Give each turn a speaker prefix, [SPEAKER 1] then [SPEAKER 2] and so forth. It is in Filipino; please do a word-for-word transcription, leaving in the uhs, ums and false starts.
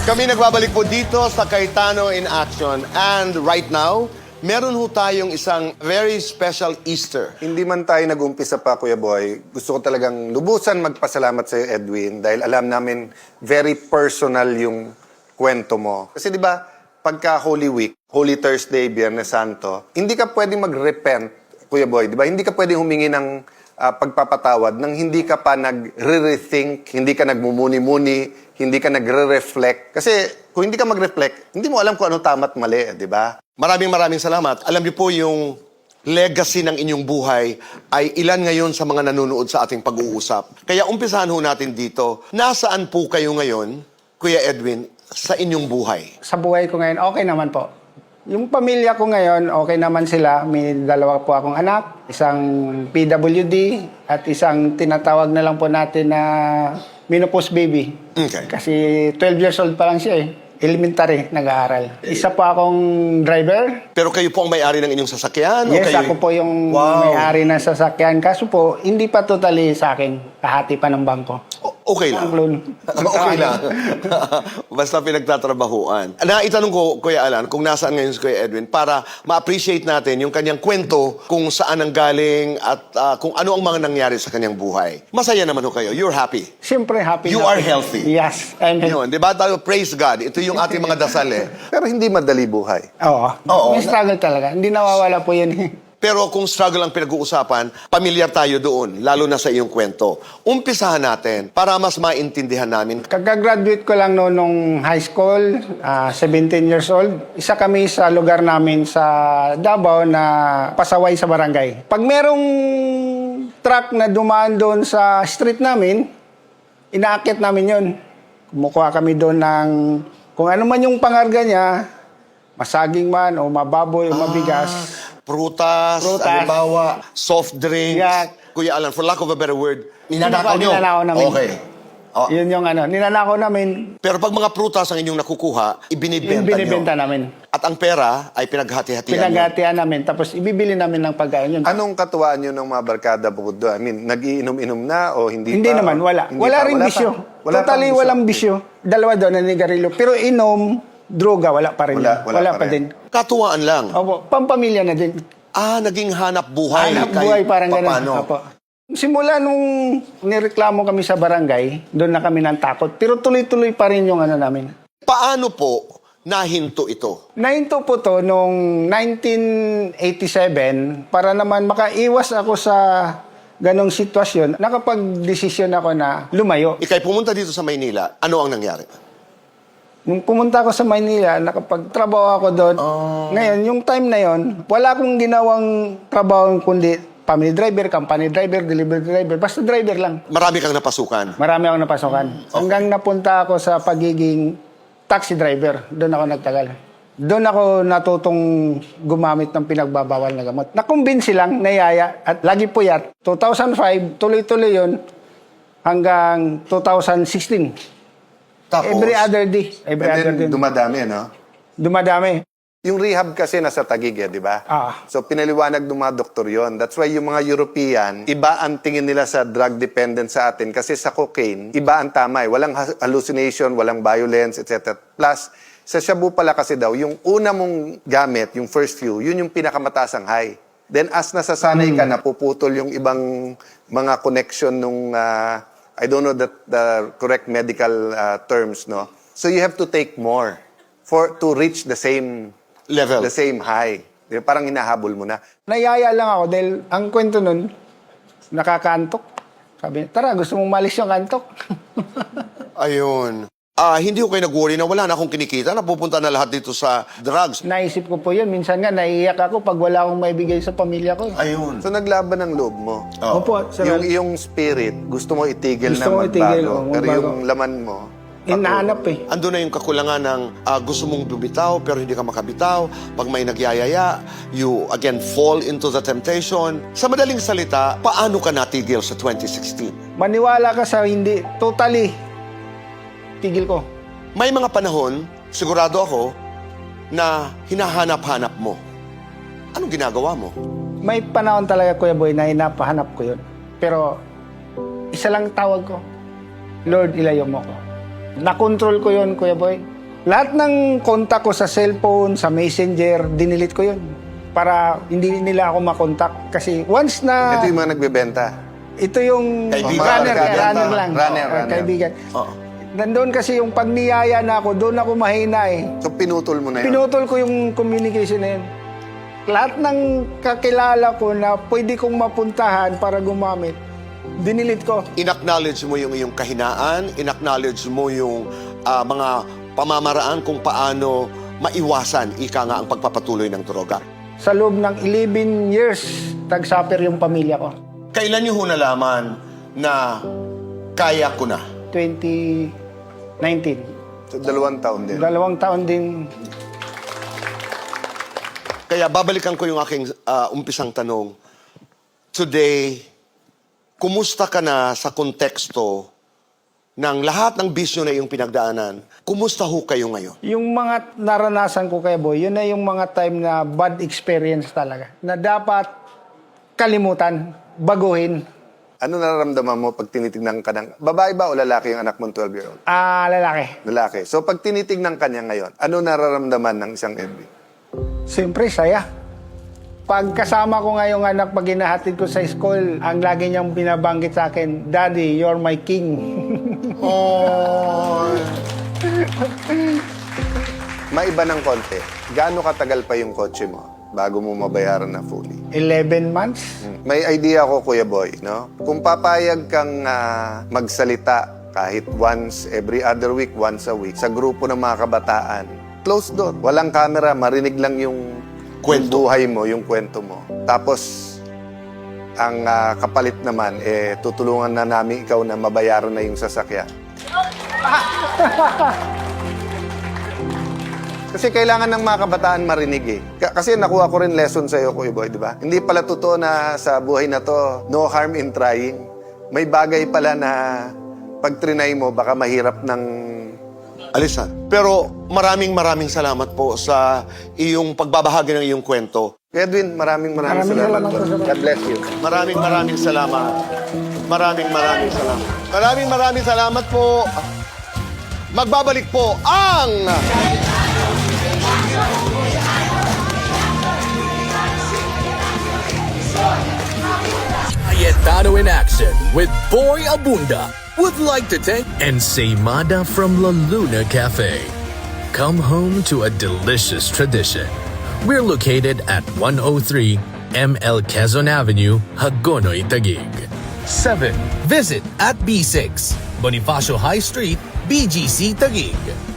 [SPEAKER 1] Kami nagbabalik po dito sa Cayetano in Action. And right now, meron ho tayong isang very special Easter.
[SPEAKER 2] Hindi man tayo nag-umpisa pa, Kuya Boy, gusto ko talagang lubusan magpasalamat sa iyo, Edwin, dahil alam namin very personal yung kwento mo. Kasi di ba, pagka Holy Week, Holy Thursday, Biyernes Santo, hindi ka pwedeng mag-repent, Kuya Boy, di ba? Hindi ka pwedeng humingi ng uh, pagpapatawad nang hindi ka pa nag-rethink, hindi ka nagmumuni-muni, hindi ka nagre-reflect. Kasi kung hindi ka mag-reflect, hindi mo alam kung ano tama at mali, di ba?
[SPEAKER 1] Maraming maraming salamat. Alam niyo po yung legacy ng inyong buhay ay ilan ngayon sa mga nanonood sa ating pag-uusap. Kaya umpisahan ho natin dito. Nasaan po kayo ngayon, Kuya Edwin, sa inyong buhay?
[SPEAKER 3] Sa buhay ko ngayon, okay naman po. Yung pamilya ko ngayon, okay naman sila. May dalawa po akong anak, isang P W D at isang tinatawag na lang po natin na menopause baby.
[SPEAKER 1] Okay.
[SPEAKER 3] Kasi twelve years old pa lang siya eh. Elementary, nag-aaral. Isa po akong driver.
[SPEAKER 1] Pero kayo po ang may-ari ng inyong sasakyan?
[SPEAKER 3] Yes,
[SPEAKER 1] o kayo...
[SPEAKER 3] ako po yung
[SPEAKER 1] Wow.
[SPEAKER 3] may-ari ng sasakyan. Kaso po, hindi pa totally sa akin. Kahati pa ng bangko.
[SPEAKER 1] O- okay lang.
[SPEAKER 3] Ang loan.
[SPEAKER 1] Okay lang. Basta pinagtatrabahuan. Naitanong ko, Kuya Alan, kung nasaan ngayon si Kuya Edwin para ma-appreciate natin yung kanyang kwento kung saan ang galing at ah, kung ano ang mga nangyari sa kanyang buhay. Masaya naman ho kayo. You're happy.
[SPEAKER 3] Siyempre, happy
[SPEAKER 1] You
[SPEAKER 3] na
[SPEAKER 1] are
[SPEAKER 3] ako.
[SPEAKER 1] healthy.
[SPEAKER 3] Yes, I'm healthy.
[SPEAKER 1] Yun, di ba? Tayo, praise God. Ito yung ating mga dasal eh.
[SPEAKER 2] Pero hindi madali buhay.
[SPEAKER 3] Oo.
[SPEAKER 1] Oo.
[SPEAKER 3] May struggle talaga. Hindi nawawala po yun.
[SPEAKER 1] Pero kung struggle ang pinag-uusapan, pamilyar tayo doon, lalo na sa iyong kwento. Umpisahan natin para mas maintindihan namin.
[SPEAKER 3] Kagagraduate ko lang noon nung high school, ah, seventeen years old. Isa kami sa lugar namin sa Davao na pasaway sa barangay. Pag merong truck na dumaan doon sa street namin, inaakit namin yun. Kumukuha kami doon ng kung ano man yung pangarga niya, masaging man o mababoy o mabigas.
[SPEAKER 1] Prutas,
[SPEAKER 3] Prutas.
[SPEAKER 1] halimbawa, soft drinks.
[SPEAKER 3] Yeah.
[SPEAKER 1] Kuya Alan, for lack of a better word, ninanakaw nyo.
[SPEAKER 3] Ninanakaw namin.
[SPEAKER 1] Okay. Oh.
[SPEAKER 3] Yun yung ano, ninanakaw namin,
[SPEAKER 1] Pero pag mga prutas ang inyong nakukuha, ibinibenta,
[SPEAKER 3] yung binibenta
[SPEAKER 1] nyo.
[SPEAKER 3] namin.
[SPEAKER 1] At ang pera ay pinaghati-hatian nyo.
[SPEAKER 3] Pinaghatian namin, tapos ibibili namin ng pagkain yun.
[SPEAKER 2] Anong katuwaan nyo ng mga barkada bukod doon? I mean, nag-iinom-inom na o hindi,
[SPEAKER 3] Hindi
[SPEAKER 2] pa?
[SPEAKER 3] naman,
[SPEAKER 2] O-
[SPEAKER 3] wala.
[SPEAKER 2] hindi
[SPEAKER 3] Wala
[SPEAKER 2] pa?
[SPEAKER 3] rin
[SPEAKER 2] Wala
[SPEAKER 3] bisyo.
[SPEAKER 2] pa? Wala
[SPEAKER 3] Totally
[SPEAKER 2] pang bisyo.
[SPEAKER 3] walang bisyo. Dalawa doon, nanigarilyo. Pero inom, droga, wala pa rin.
[SPEAKER 2] Wala-
[SPEAKER 3] yan.
[SPEAKER 2] wala pa
[SPEAKER 3] pa
[SPEAKER 2] rin.
[SPEAKER 3] din.
[SPEAKER 1] Katuwaan lang.
[SPEAKER 3] Opo, pampamilya na din.
[SPEAKER 1] Ah, naging hanap buhay.
[SPEAKER 3] Hanap
[SPEAKER 1] kay
[SPEAKER 3] buhay, parang
[SPEAKER 1] papano.
[SPEAKER 3] gano'n. Opo. Simula nung nireklamo kami sa barangay, doon na kami ng takot. Pero tuloy-tuloy pa rin yung ano namin.
[SPEAKER 1] Paano po nahinto ito?
[SPEAKER 3] Nahinto po to nung nineteen eighty-seven para naman makaiwas ako sa ganong sitwasyon. Nakapag-desisyon ako na lumayo.
[SPEAKER 1] Ikay pumunta dito sa Maynila, ano ang nangyari?
[SPEAKER 3] Nung pumunta ako sa Maynila, nakapagtrabaho ako doon. Ngayon, yung time na yon, wala akong ginawang trabaho kundi family driver, company driver, delivery driver. Basta driver lang.
[SPEAKER 1] Marami kang napasukan.
[SPEAKER 3] Marami akong napasukan. Hanggang napunta ako sa pagiging taxi driver. Doon ako nagtagal. Doon ako natutong gumamit ng pinagbabawal na gamot. Nakumbinsi lang, nayaya, at lagi puyat. two thousand five, tuloy-tuloy yon hanggang two thousand sixteen.
[SPEAKER 1] Tapos,
[SPEAKER 3] Every other day. Every
[SPEAKER 2] And
[SPEAKER 3] other
[SPEAKER 2] then,
[SPEAKER 3] day.
[SPEAKER 2] dumadami, no?
[SPEAKER 3] Dumadami.
[SPEAKER 2] Yung rehab kasi nasa Taguig, eh, di ba?
[SPEAKER 3] Ah.
[SPEAKER 2] So, pinaliwanag ng mga doktor yon. That's why yung mga European, iba ang tingin nila sa drug dependent sa atin. Kasi sa cocaine, iba ang tama eh. Walang ha- hallucination, walang violence, et cetera. Plus, sa shabu pala kasi daw, yung una mong gamit, yung first few, yun yung pinakamataas ang high. Then, as nasasanay ka, napuputol yung ibang mga connection nung, ah, I don't know the, the correct medical uh, terms, no? So, you have to take more for to reach the same
[SPEAKER 1] level.
[SPEAKER 2] the same high. Di ba? Parang hinahabol mo na.
[SPEAKER 3] Nayaya lang ako dahil ang kwento nun, nakakantok. Sabi, tara, gusto mong malis yung kantok.
[SPEAKER 1] Ayun. Ah, hindi ko kayo nag-worry na wala na akong kinikita, napupunta na lahat dito sa drugs.
[SPEAKER 3] Naisip ko po yun. Minsan nga, naiiyak ako pag wala akong maibigay sa pamilya ko.
[SPEAKER 1] Ayun.
[SPEAKER 2] So, naglaban ng loob mo.
[SPEAKER 1] Oh.
[SPEAKER 3] Opo, sir.
[SPEAKER 2] Yung iyong spirit, gusto mo itigil
[SPEAKER 3] Gusto
[SPEAKER 2] na
[SPEAKER 3] mo
[SPEAKER 2] magbago.
[SPEAKER 3] itigil, oh,
[SPEAKER 2] Pero
[SPEAKER 3] magbago.
[SPEAKER 2] yung laman mo,
[SPEAKER 3] Hinahanap eh.
[SPEAKER 1] Ando na yung kakulangan ng ah, gusto mong bumitaw pero hindi ka makabitaw. Pag may nagyayaya, you again fall into the temptation. Sa madaling salita, paano ka natigil sa twenty sixteen?
[SPEAKER 3] Maniwala ka sa hindi. Totally. Tigil ko.
[SPEAKER 1] May mga panahon, sigurado ako, na hinahanap-hanap mo. Anong ginagawa mo?
[SPEAKER 3] May panahon talaga, Kuya Boy, na hinapahanap ko yun. Pero, isa lang tawag ko. Lord, ilayo mo ko. Nakontrol ko yun, Kuya Boy. Lahat ng kontak ko sa cellphone, sa messenger, dinilit ko yun. Para hindi nila ako makontak. Kasi once na...
[SPEAKER 2] Ito yung mga nagbebenta.
[SPEAKER 3] Ito yung
[SPEAKER 1] Kaibigan.
[SPEAKER 3] runner,
[SPEAKER 2] Kaibigan.
[SPEAKER 3] runner lang.
[SPEAKER 2] Runner,
[SPEAKER 3] Oh,
[SPEAKER 2] runner.
[SPEAKER 3] Kaibigan.
[SPEAKER 1] Oo.
[SPEAKER 3] Nandun kasi yung pag niyaya na ako, doon ako mahina eh.
[SPEAKER 2] So, pinutol mo na yun.
[SPEAKER 3] Pinutol ko yung communication na yun. Lahat ng kakilala ko na pwede kong mapuntahan para gumamit, dinilit ko.
[SPEAKER 1] In-acknowledge mo yung iyong kahinaan, in-acknowledge mo yung ah, mga pamamaraan kung paano maiwasan, ika nga, ang pagpapatuloy ng droga.
[SPEAKER 3] Sa loob ng eleven years, tag-suffer yung pamilya ko.
[SPEAKER 1] Kailan niyo ho nalaman na kaya ko na?
[SPEAKER 3] twenty nineteen.
[SPEAKER 2] So, dalawang taon din.
[SPEAKER 3] Dalawang taon din.
[SPEAKER 1] Kaya babalikan ko yung aking ah, umpisang tanong. Today, kumusta ka na sa konteksto ng lahat ng bisyo na iyong pinagdaanan? Kumusta ho kayo ngayon?
[SPEAKER 3] Yung mga naranasan ko kay Boy, yun na yung mga time na bad experience talaga. Na dapat kalimutan, baguhin.
[SPEAKER 2] Ano nararamdaman mo pag tinitignan ka ng... Babae ba o lalaki yung anak mong twelve-year-old?
[SPEAKER 3] Ah, lalaki.
[SPEAKER 2] Lalaki. So, pag tinitignan ka niya ngayon, ano nararamdaman ng isang Edwin?
[SPEAKER 3] Siyempre, saya. Pag kasama ko nga yung anak pag hinahatid ko sa school, ang lagi niyang binabanggit sa akin, Daddy, you're my king.
[SPEAKER 1] Oh.
[SPEAKER 2] Maiba ng konti. Gaano katagal pa yung kotse mo bago mo mabayaran na fully?
[SPEAKER 3] eleven months.
[SPEAKER 2] Hmm. May idea ko, Kuya Boy, no? Kung papayag kang ah, magsalita kahit once every other week, once a week, sa grupo ng mga kabataan, close door. Walang camera, marinig lang yung
[SPEAKER 1] Kwento.
[SPEAKER 2] yung buhay mo, yung kwento mo. Tapos, ang ah, kapalit naman, eh, tutulungan na namin ikaw na mabayaran na yung sasakyan. Kasi kailangan ng mga kabataan marinig eh. K- kasi nakuha ko rin lesson sa'yo, Kuya Boy, di ba? Hindi pala totoo na sa buhay na to, no harm in trying. May bagay pala na pag trinay mo, baka mahirap ng...
[SPEAKER 1] Alisan. Pero maraming maraming salamat po sa iyong pagbabahagi ng iyong kwento.
[SPEAKER 2] Kuya Edwin, maraming maraming,
[SPEAKER 3] Maraming
[SPEAKER 2] salamat.
[SPEAKER 3] salamat
[SPEAKER 2] po.
[SPEAKER 3] po, sir.
[SPEAKER 2] God bless you.
[SPEAKER 1] Maraming maraming salamat. Maraming maraming salamat. Maraming maraming salamat po. Magbabalik po ang...
[SPEAKER 4] Cayetano in action with Boy Abunda. Would like to thank Ensaymada from La Luna Cafe. Come home to a delicious tradition. We're located at one oh three M L Quezon Avenue, Hagonoy, Taguig. seven. Visit at B six, Bonifacio High Street, B G C, Taguig.